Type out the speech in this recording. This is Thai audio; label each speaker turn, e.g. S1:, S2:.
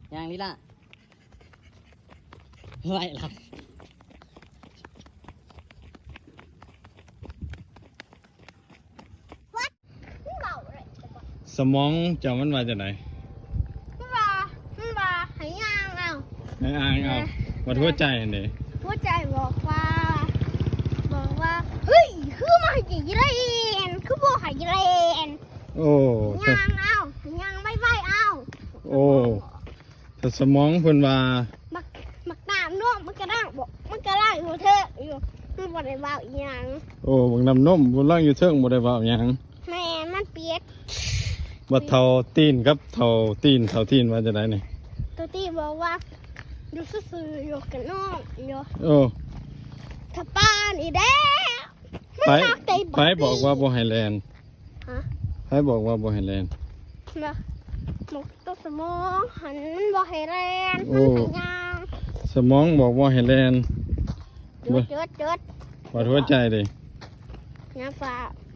S1: ยังนี่ล่ะไหวหลับ
S2: มันเบาเลย
S3: สมองเจ้ามันมาจากไหน
S2: มันว่าให้ย่างเอา
S3: ไอ้อ่างเอาวัดหัวใจนี่
S2: หัวใจบอกว่าเฮ้ยคือมาให้ยีเรนคือบอกให้ยีเรน
S3: โอ้
S2: ย่างเอาย่างไม่ไหวเอา
S3: โอ้ถ้าสมองเพิ่นว่า
S2: มักน้ำน่วมมันกระด้างบอกมันกระด้างอยู่เถอะอยู่มันบ่ได้เบาอีหยัง
S3: โอ้บักน้ำนมบนล่างอยู่เทิงบ่ได้เว้าหยัง
S2: แม่มันเปียก
S3: บ่เท่าตีนกับเท่าตีนว่าจะได้นี่
S2: ตัวที่บอกว่าอยู่ซื่อๆอยู่กับน้องอยู่
S3: โอ้
S2: ถ้าป้านอีแด้
S3: ไปบอกว่าบ่ให้แลน
S2: ฮะ
S3: ไปบอกว่าบ่ให้แลน
S2: นะหมกตัวสมองหันมันบอกให้แรง
S3: โอ้
S2: มันให้ย่าง
S3: สมองบอกว่าให้แลน
S2: จุด
S3: วัดหัวใจดิ
S2: น้าฟ้า